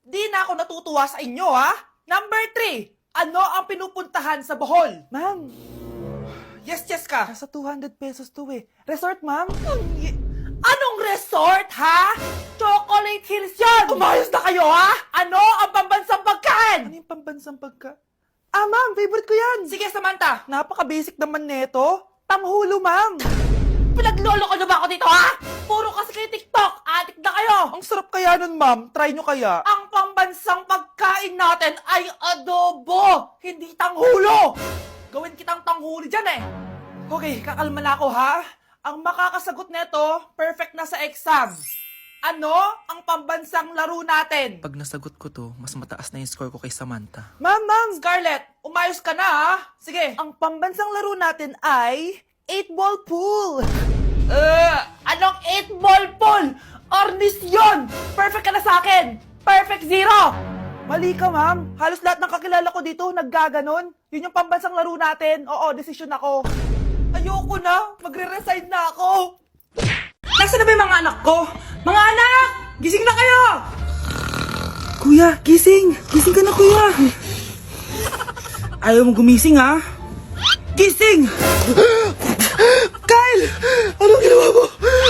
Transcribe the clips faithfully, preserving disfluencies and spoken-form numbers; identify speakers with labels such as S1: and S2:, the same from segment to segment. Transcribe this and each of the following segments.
S1: Di na ako natutuwa sa inyo, ha? Number three, ano ang pinupuntahan sa Bohol?
S2: Ma'am,
S1: Yes, yes ka.
S2: nasa two hundred pesos to eh. Resort, ma'am?
S1: Anong resort, ha? Chocolate Hills yun! Umayos na kayo, ha? Ano ang pambansang
S2: Ano
S1: pagkain?
S2: yung pambansang pagka... Ah, ma'am, favorite ko yan.
S1: Sige, Samantha.
S2: Napaka-basic naman neto. Tanghulo, ma'am.
S1: Pinaglolo ko na ba ako dito, ha? Puro kasi kayo TikTok. Adik na kayo.
S2: Ang sarap kaya nun, ma'am. Try nyo kaya.
S1: Ang pambansang pagkain natin ay adobo, hindi tanghulo. Gawin kitang tanghuli dyan, eh. Okay, kakalma na ako, ha? Ang makakasagot neto, perfect na sa exam. Ano ang pambansang laro natin?
S3: Pag nasagot ko to, mas mataas na yung score ko kay Samantha.
S2: Ma'am, ma'am.
S1: Scarlett, umayos ka na, ha? Sige.
S2: Ang pambansang laro natin ay... eight ball pool.
S1: Uh, anong eight ball pool? Ornis yun! Perfect ka na sa akin! Perfect zero!
S2: Mali ka, ma'am. Halos lahat ng kakilala ko dito naggaganon. Yun yung pambansang laro natin. Oo, desisyon ako.
S1: Ayoko na! Magre-resign na ako!
S2: Nasaan na ba yung mga anak ko? Mga anak! Gising na kayo! Kuya, gising! Gising ka na, kuya! Ayaw mo gumising, ha? Gising! Kyle! Anong ginawa mo?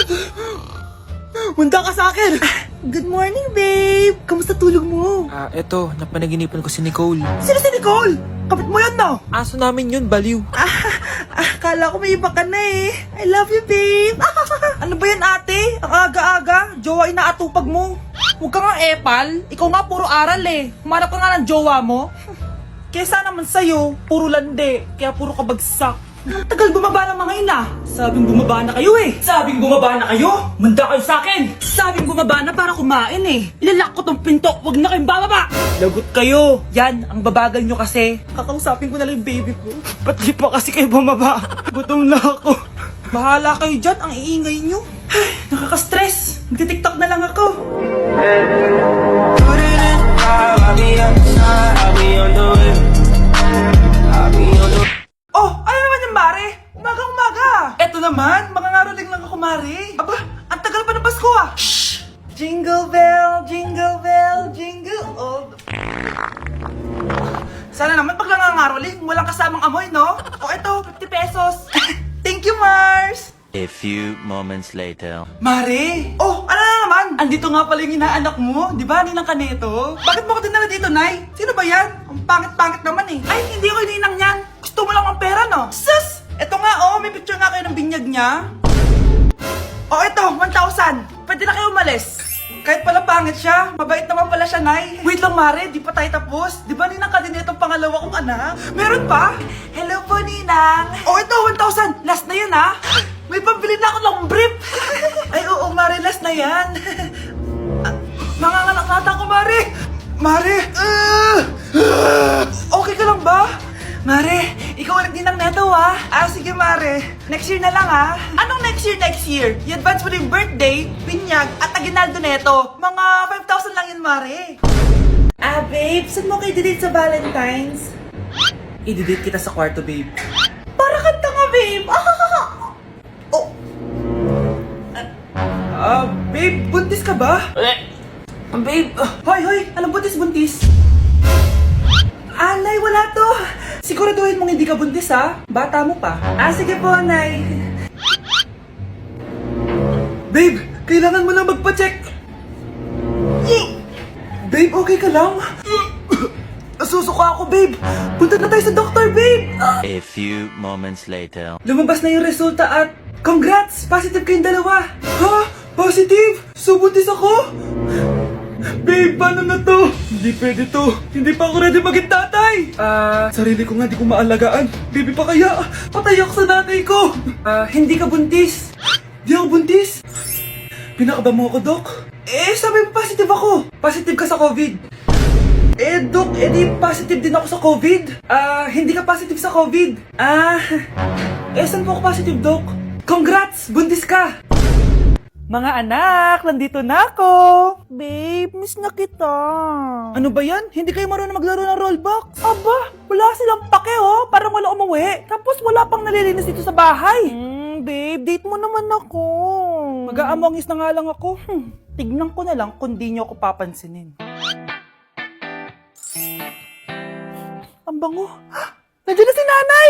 S2: Munda ka sa akin! Good morning, babe! Kamusta tulog mo?
S3: Ah, eto, napanaginipan ko si Nicole.
S2: Sino si Nicole? Kapit mo yun, no?
S3: Aso namin yun, baliw.
S2: Ah, ah, kala ko may iba ka na eh. I love you, babe. Ano ba yan, ate? Ang aga-aga. Jowa inaatupag mo.
S1: Huwag ka nga epal. Ikaw nga puro aral eh. Humanap ka nga ng jowa mo. Kesa naman sa'yo, puro lande. Kaya puro kabagsak.
S2: Ang tagal bumaba ng mga ina. Sabing bumaba na kayo eh. Sabing bumaba na kayo. Manda kayo sa akin. Sabing bumaba na para kumain eh. Ilalak ko tong pinto. Huwag na kayong bababa. Lagot kayo. Yan, ang babagal nyo kasi. Kakausapin ko na lang yung baby ko. Ba't di pa kasi kayo bumaba? Gutom na ako. Bahala kayo dyan. Ang iingay nyo. Ay, nakaka-stress. Magti-tiktok na lang ako. Oh, ano naman yung mare? Umaga-umaga. Eto naman, mangangaroling lang ako, mare. Aba, ang tagal pa ng Pasko ah. Shh! Jingle bell, jingle bell, jingle all the... Sana naman pag nangangaroling, walang kasamang amoy, no? O eto, fifty pesos. Thank you, Mars.
S4: A few moments later.
S2: Mare! Oh, ano na naman? Andito nga pala yung inaanak mo, di ba, Ninang Kaneto? Bakit mo ko dinala dito, Nay? Sino ba yan? Ang pangit-pangit naman eh. Ay, hindi ko ninang yan. Gusto mo lang ang pera, no? Sus! Eto nga, oh, may picture nga kayo ng binyag niya. Oh, eto, one thousand. Pwede na kayo umalis. Kahit pala pangit siya, mabait naman pala siya, Nay. Wait lang, Mare, di pa tayo tapos. Di ba Ninang Kaneto ang pangalawa kong anak? Meron pa? Hello po, Ninang. Oh, ito, one thousand. Last na yun, ha? May pambili na ako ng brief. Ay, oo, Mare, last na yan. Ah, Manganganak nata ako, Mare. Mare. ah, ah, okay ka lang ba? Mare, ikaw ulit din ng neto, ha? Ah, sige, Mare. Next year na lang, ha? Anong next year, next year? I-advance mo na yung birthday, pinyag, at aginaldo neto. Mga five thousand lang yun, Mare. Ah, babe, saan mo kayo didate sa Valentine's? I-didate kita sa kwarto, babe. Para kanta nga, babe. Oh. Ah, babe, buntis ka ba?
S1: Eh,
S2: Babe, uh, hoy, hoy, anong buntis, buntis? Alay, wala to. Siguraduhin mong hindi ka buntis, ha? Bata mo pa. Ah, sige po, Nay. Babe, kailangan mo lang magpa-check. Babe, okay ka lang? Nasusuka ako, babe. Punta na tayo sa doktor, babe. Ah,
S4: A few moments later.
S2: lumabas na yung resulta at congrats! Positive kayong dalawa! Ha? Positive? So buntis ako? Babe, paano na to? Hindi pwede to. Hindi pa ako ready maging tatay. Ah, sarili ko nga di ko maalagaan. Baby pa kaya? Patay ako sa nanay ko. Ah, hindi ka buntis. Di ako buntis. Pinakaba mo ako, Dok? Eh, sabi mo positive ako. Positive ka sa COVID. Eh, Dok, eh di positive din ako sa COVID. Ah, hindi ka positive sa COVID. Ah, eh saan po ako positive, Dok? Congrats! Buntis ka! Mga anak, nandito na ako! Babe, miss na kita. Ano ba yan? Hindi kayo marunong maglaro ng rollbox? Aba, wala silang pake oh. Parang wala umuwi. Tapos wala pang nalilinis dito sa bahay. Hmm, babe, date mo naman ako. Mag-aamongis na nga lang ako. Hmm, tignan ko na lang kung di niyo ako papansinin.
S1: Ang bango. Nandiyan na si nanay!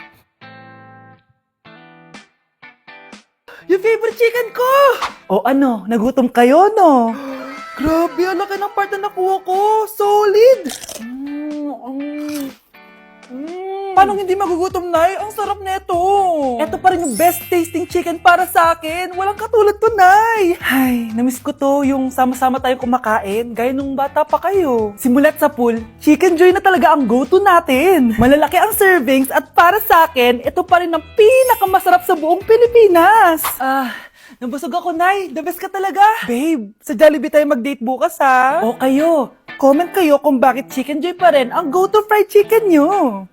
S1: Yung favorite chicken ko! O ano, nagutom kayo, no? Grabe, ang laki ng part na nakuha ko. Solid! Mm, mm, mm. Paano hindi magugutom, Nay? Ang sarap nito. Ito pa rin yung best tasting chicken para sa akin. Walang katulad to, Nay. Ay, namiss ko to yung sama-sama tayong kumakain, gaya nung bata pa kayo. Simulat sa pool, Chicken Joy na talaga ang go-to natin. Malalaki ang servings at para sa akin, ito pa rin ang pinakamasarap sa buong Pilipinas. Ah... Nabusog ako, Nay. The best ka talaga. Babe, sa Jollibee tayo mag-date bukas, ha? O kayo, comment kayo kung bakit Chicken Joy pa rin ang go-to fried chicken nyo.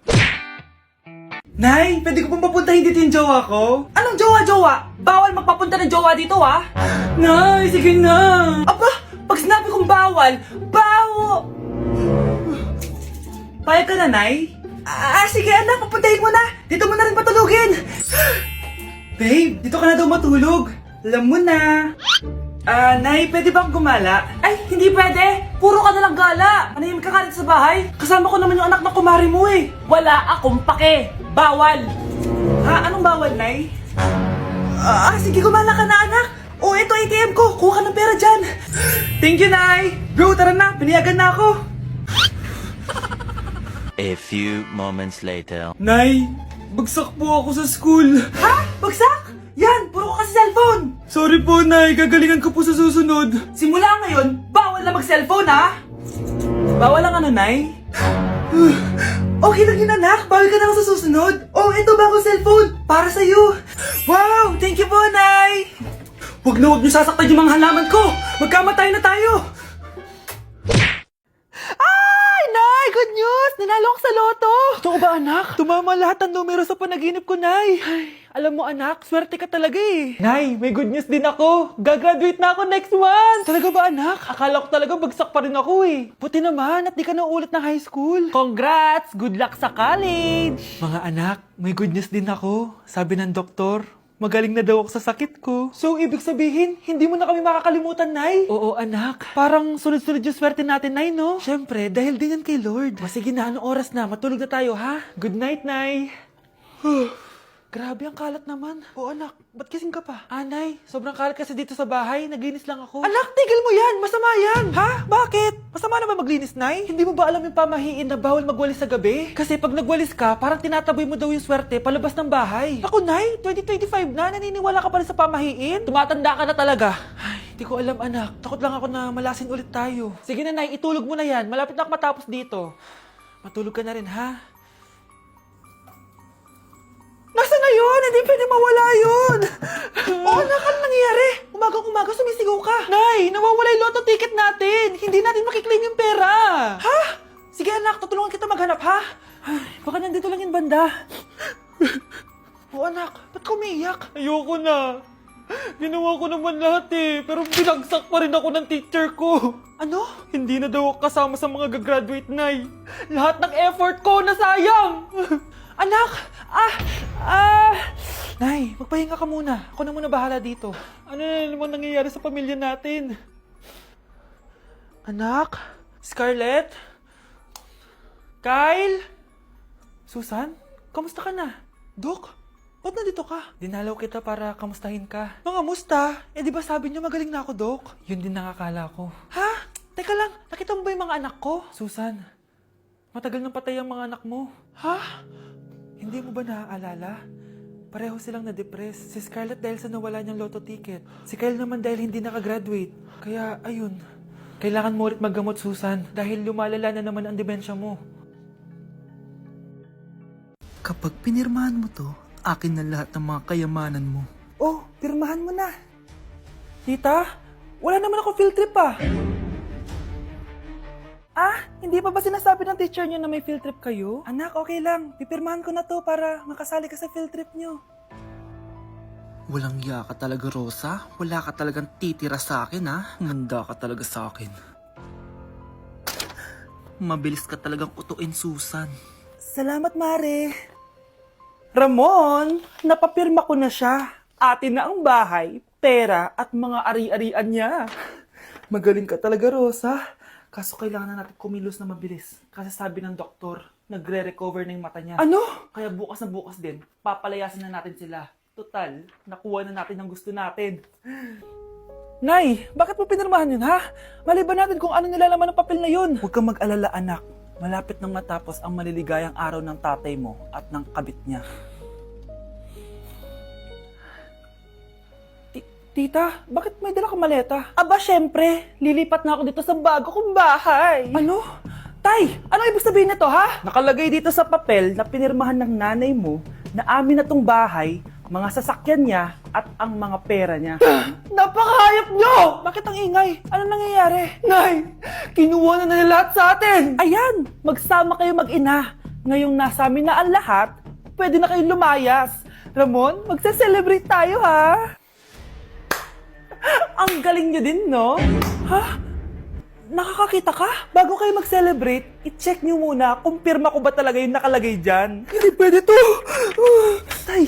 S1: Nay, pwede ko pong papuntahin dito yung jowa ko? Anong jowa-jowa? Bawal magpapunta ng jowa dito, ha? Nay, sige na. Aba, pag sinabi kong bawal, bawo! Payag ka na, Nay? Ah, sige anak, papuntahin mo na. Dito mo na rin patulugin. Babe, dito ka na daw matulog. Alam mo na. Ah, Nay, pwede bang gumala? Ay, hindi pwede. Puro ka nalang gala. Manahimik ka ka dito sa bahay. Kasama ko naman yung anak na kumari mo eh. Wala akong pake. Bawal. Ha? Anong bawal, Nay? Ah, sige, gumala ka na, anak. Oh, ito A T M ko. Kuha ka ng pera dyan. Thank you, Nay. Bro, tara na. Piniyagan na ako.
S4: A few moments later.
S2: Nay, bagsak po ako sa school. Ha? Bagsak? Yan, puro ka kasi cellphone. Sorry po, Nay. Gagalingan ko po sa susunod. Simula ngayon, bawal na mag-cellphone, ha? Bawal ang ano, Nay? Okay lang yun, anak. Bawal ka na lang sa susunod. Oh, ito bago cellphone. Para sa'yo. Wow, thank you po, Nay. Huwag na huwag niyo sasaktan yung mga halaman ko. Magkamatay na tayo.
S1: Ay, Nay! Good news! Nanalo ako sa loto! Totoo ba, anak? Tumama lahat ng numero sa panaginip ko, Nay. Ay, alam mo, anak, swerte ka talaga eh. Nay, may good news din ako. Gagraduate na ako next month. Talaga ba, anak? Akala ko talaga bagsak pa rin ako eh. Buti naman at di ka na ulit ng high school. Congrats! Good luck sa college! Mga anak, may good news din ako. Sabi ng doktor, magaling na daw ako sa sakit ko. So, ibig sabihin, hindi mo na kami makakalimutan, Nay? Oo, anak. Parang sunod-sunod yung swerte natin, Nay, no? Siyempre, dahil din yan kay Lord. Masige na, anong oras na? Matulog na tayo, ha? Good night, Nay. Grabe, ang kalat naman. Oo, anak. Ba't kasing ka pa? Ah, Nay, sobrang kalat kasi dito sa bahay. Naglinis lang ako. Anak, tigil mo yan! Masama yan! Ha? Bakit? Masama na ba maglinis, Nay? Hindi mo ba alam yung pamahiin na bawal magwalis sa gabi? Kasi pag nagwalis ka, parang tinataboy mo daw yung swerte palabas ng bahay. Ako, Nay, twenty twenty-five na. Naniniwala ka pa rin sa pamahiin? Tumatanda ka na talaga. Ay, hindi ko alam, anak. Takot lang ako na malasin ulit tayo. Sige na, Nay, itulog mo na yan. Malapit na ako matapos dito. Matulog ka na rin, ha? Nasaan na yun? Hindi pwede mawala yun. Oo, anak, ano nangyayari? Umagang-umaga sumisigaw ka. Nay, nawawala yung lotto ticket natin. Hindi natin makiklaim yung pera. Ha? Sige anak, tutulungan kita maghanap, ha? Ay, baka nandito lang yung banda. Oo anak, ba't ka umiiyak? Ayoko na. Ginawa ko naman lahat eh, pero binagsak pa rin ako ng teacher ko. Ano? Hindi na daw ako kasama sa mga gagraduate, Nay. Lahat ng effort ko nasayang. Anak! Ah! Ah! Nay, magpahinga ka muna. Ako na muna bahala dito. Ano na naman nangyayari sa pamilya natin? Anak? Scarlett? Kyle? Susan? Kamusta ka na? Dok? Ba't nandito ka? Dinalaw kita para kamustahin ka. Mga musta? Eh di ba sabi niyo magaling na ako, Dok? Yun din nakakala ko. Ha? Teka lang, nakita mo ba yung mga anak ko? Susan, matagal nang patay ang mga anak mo. Ha? Hindi mo ba naaalala? Pareho silang na-depress. Si Scarlett dahil sa nawala niyang lotto ticket. Si Kyle naman dahil hindi nakagraduate. Kaya, ayun. Kailangan mo ulit maggamot, Susan. Dahil lumalala na naman ang demensya mo.
S3: Kapag pinirmahan mo to, akin na lahat ng mga kayamanan mo.
S1: Oh, pirmahan mo na. Tita, wala naman ako field trip ah. Ah, hindi pa ba sinasabi ng teacher niyo na may field trip kayo? Anak, okay lang. Pipirmahan ko na to para makasali ka sa field trip niyo.
S3: Walang iya ka talaga, Rosa. Wala ka talagang titira sa akin, ha? Manda ka talaga sa akin. Mabilis ka talagang utuin, Susan.
S1: Salamat, Mare. Ramon, napapirma ko na siya. Atin na ang bahay, pera at mga ari-arian niya. Magaling ka talaga, Rosa. Kaso kailangan na natin kumilos na mabilis. Kasi sabi ng doktor, nagre-recover na yung mata niya.
S2: Ano?
S1: Kaya bukas na bukas din, papalayasin na natin sila. Total, nakuha na natin ang gusto natin.
S2: Nay, bakit mo pinirmahan yun, ha? Maliban natin kung ano nilalaman ng papel na yun.
S1: Huwag kang mag-alala, anak. Malapit nang matapos ang maliligayang araw ng tatay mo at ng kabit niya.
S2: Tita, bakit may dala kang maleta? Aba, syempre. Lilipat na ako dito sa bago kong bahay. Ano? Tay, ano ibig sabihin nito, ha?
S1: Nakalagay dito sa papel na pinirmahan ng nanay mo na amin na tong bahay, mga sasakyan niya at ang mga pera niya.
S2: Napakahayop nyo! Bakit ang ingay? Ano nangyayari? Nay, kinuha na nila lahat sa atin!
S1: Ayan, magsama kayo mag-ina. Ngayong nasa amin na ang lahat, pwede na kayong lumayas.
S2: Ramon, magse-celebrate tayo, ha?
S1: Ang galing niyo din, no?
S2: Ha? Nakakakita ka? Bago kayo mag-celebrate, i-check nyo muna kung pirma ko ba talaga yung nakalagay dyan. Hindi pwede to! Tay!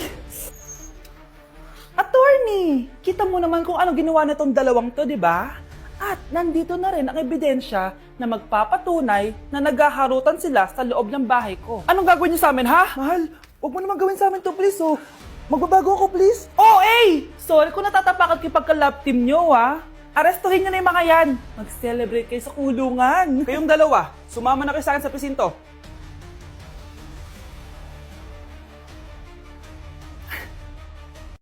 S2: Attorney! Kita mo naman kung ano ginawa na tong dalawang to, di ba? At nandito na rin ang ebidensya na magpapatunay na naghaharutan sila sa loob ng bahay ko. Anong gagawin niyo sa amin, ha? Mahal, huwag mo naman gawin sa amin to, please, oh. Magbabago ako, please. Oh, eh! Sorry kung natatapakan kayo pagka-love team nyo, ha? Arestuhin nyo na yung mga yan. Mag-celebrate kayo sa kulungan.
S1: Kayong dalawa, sumama na kayo sa akin sa presinto.